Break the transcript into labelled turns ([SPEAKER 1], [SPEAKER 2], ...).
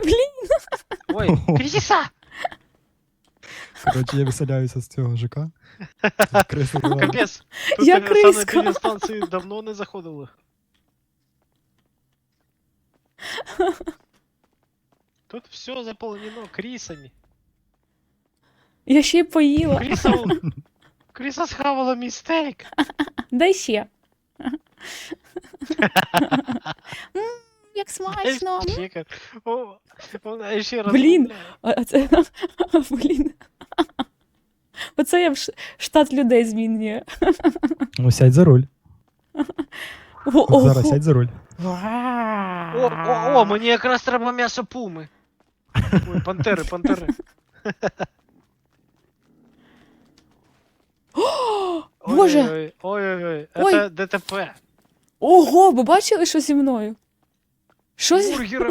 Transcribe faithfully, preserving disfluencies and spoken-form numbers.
[SPEAKER 1] Блін.
[SPEAKER 2] Ой, Кріса!
[SPEAKER 3] Коротше, я виселяюся з цього ЖК. Криси була.
[SPEAKER 2] Капець. Тут
[SPEAKER 1] Я
[SPEAKER 2] на санепідні
[SPEAKER 1] криска.
[SPEAKER 2] станції давно не заходили. Тут все заполонено крісами.
[SPEAKER 1] Я ще й поїла.
[SPEAKER 2] Кріса... Кріса схавала мій стейк.
[SPEAKER 1] Дай ще. М, Як смачно. М.
[SPEAKER 2] Чекай. О, вона ще раз.
[SPEAKER 1] Блін. А а це... Блін. Оце я в ш- штат людей змінює.
[SPEAKER 3] Ну, сядь за руль.
[SPEAKER 1] О,
[SPEAKER 3] От зараз
[SPEAKER 1] ого.
[SPEAKER 3] сядь за руль.
[SPEAKER 2] О, о, о, мені якраз треба м'ясо пуми. Ой, пантери, пантери.
[SPEAKER 1] Боже.
[SPEAKER 2] Ой-ой-ой, ой-ой-ой,
[SPEAKER 1] Ой.
[SPEAKER 2] це ДТП.
[SPEAKER 1] Ого, ви бачили, що зі мною? Що зі...
[SPEAKER 2] Бургери